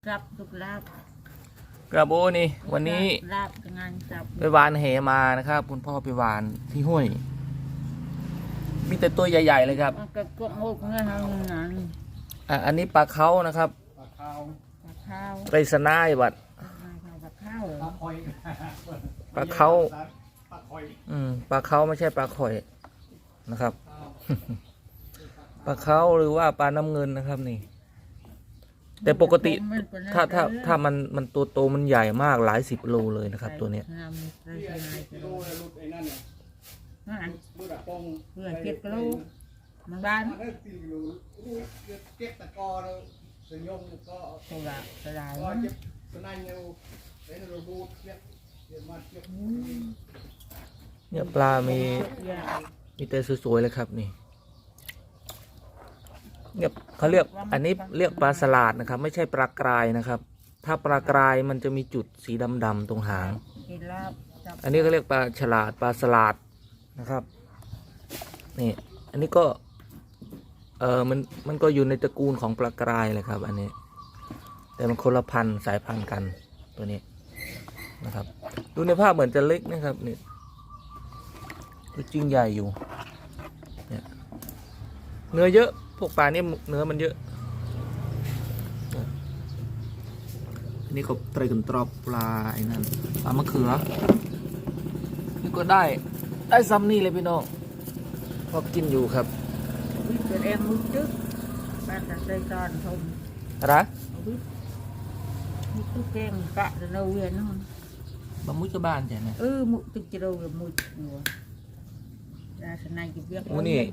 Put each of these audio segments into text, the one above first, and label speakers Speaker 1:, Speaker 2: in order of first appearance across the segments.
Speaker 1: รับทุกลาบ
Speaker 2: กระโบนี่วันนี้
Speaker 1: ลาบงานจับ
Speaker 2: ไปหวานเหมานะครับคุณพ่อไปหวานที่ห้วยมีแต่ตัวใหญ่ๆเลยครับ
Speaker 1: ก็กบงกเงี้ยทางนั้น
Speaker 2: อันนี้ปลาเขานะครับ
Speaker 1: ปลาข้าว
Speaker 2: ไรสนายบัด
Speaker 1: ปลาข้าว
Speaker 2: ปลาเขาปลาเขาไม่ใช่ปลาข่อยนะครับปลาเขาหรือว่าปลาน้ำเงินนะครับนี่แต่ปกติถ้ามันตัวโตมันใหญ่มากหลาย10 โลเลยนะครับตัวเนี้ย
Speaker 1: เพื่อ7 โลมันบ้าน
Speaker 2: เนี่ยปลามีแต่สวยๆเลยครับนี่เนี่ยเขาเรียกอันนี้เรียกปลาสลาดนะครับไม่ใช่ปลากรายนะครับถ้าปลากรายมันจะมีจุดสีดำๆตรงหางอันนี้ก็เรียกปลาฉลาดปลาสลาดนะครับนี่อันนี้ก็มันก็อยู่ในตระกูลของปลากรายเลยครับอันนี้แต่มันคนละพันธุ์สายพันธุ์กันตัวนี้นะครับดูในภาพเหมือนจะเล็กนะครับนี่จริงใหญ่อยู่เนี่ยเนื้อเยอะพวกปลาเนี่ยเนื้อมันเยอะอันนี้ก็ไตรกันตรอบปลาไอ้นั่นปลามะเขือนี่ก็ได้ซ้ำนี่เลยพี่น้องพอกินอยู่ครับ
Speaker 1: เป็นเอ็มมุจึ๊กบ้านตะไคร้ตอนทม
Speaker 2: อะไร
Speaker 1: มุจึ๊กเก่งกะจะเราเวียนนั่น
Speaker 2: บะมุจบ้านใช่ไหม
Speaker 1: มุจึ๊กจะเรามุจหัวสนายกิบเรียก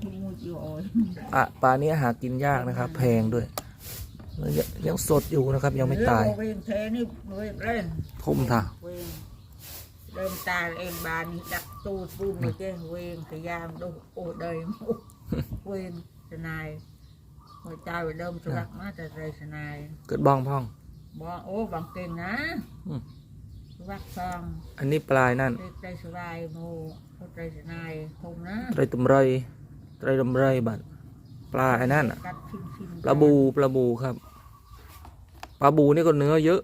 Speaker 2: ปลานี้หากินยากนะครับแพงด้วยยังสดอยู่นะครับยังไม่ตายทุ่มท่า
Speaker 1: เดินตาเองบานดักตูปูนเลยเจ้เวงขยามดูโอ้เดยมุเวงสนายหัวใจเดิมสลักมาแต่ใจสนาย
Speaker 2: เกิดบ้องพ่อง
Speaker 1: โอ้บางเก่งนะวักซอง
Speaker 2: อันนี้ปลายนั่น
Speaker 1: ใจสบายโมใจสนายคงนะ
Speaker 2: ไตรตุ่มไรบัดปลาไอ้นั่นปลาบูครับปลาบูนี่ก็เนื้อเยอะ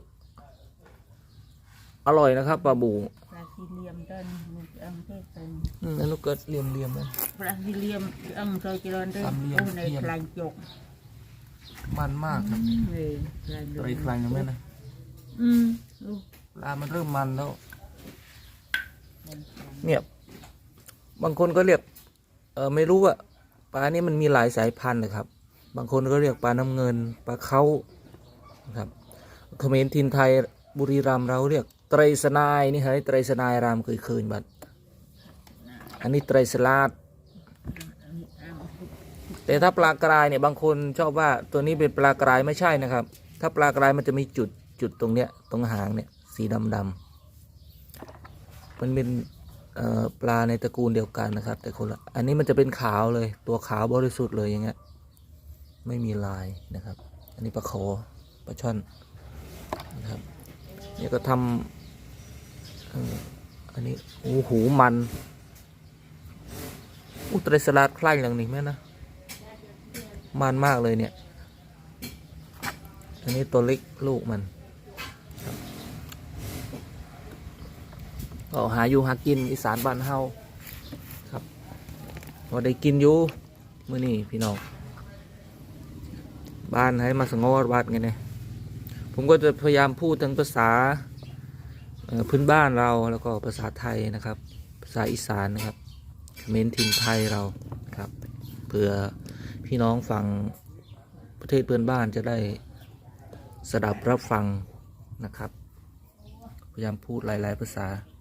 Speaker 2: อร่อยนะครับปลาบู
Speaker 1: ปลาซีเลียมต้น
Speaker 2: นั่นก็เกิดเลียมนะ
Speaker 1: ปลาซีเลียมเคยเจริญด้วยในคลายจก
Speaker 2: มันมากครับไตรคลายยังไงนะปลามันเริ่มมันแล้วเนี่ยบางคนก็เรียกไม่รู้ว่าปลานี้มันมีหลายสายพันธุ์เลยครับบางคนก็เรียกปลาน้ำเงินปลาเขาครับเขมรถิ่นไทยบุรีรัมย์เราเรียกไตรสนายนี่ฮะไตรสนายรามเคยคืนบัดอันนี้ไตรสลาดแต่ถ้าปลากรายเนี่ยบางคนชอบว่าตัวนี้เป็นปลากรายไม่ใช่นะครับถ้าปลากรายมันจะมีจุดตรงเนี้ยตรงหางเนี่ยสีดำมันเป็นปลาในตระกูลเดียวกันนะครับแต่คนละอันนี้มันจะเป็นขาวเลยตัวขาวบริสุทธิ์เลยอย่างเงี้ยไม่มีลายนะครับอันนี้ปลาโขปลาช่อนนะครับนี่ก็ทำอันนี้หูมันไตรสลัดคล้ายอย่างนี้ไหมนะมันมากเลยเนี่ยอันนี้ตัวเล็กลูกมันก็หาอยู่หากินอีสานบ้านเฮาครับพอได้กินอยู่มื้อนี้พี่น้องบ้านให้มาสงบวัดไงเนี่ยผมก็จะพยายามพูดทั้งภาษาพื้นบ้านเราแล้วก็ภาษาไทยนะครับภาษาอีสานนะครับเขมรถิ่นไทยเราครับเพื่อพี่น้องฟังประเทศเพื่อนบ้านจะได้สดับรับฟังนะครับพยายามพูดหลายๆภาษา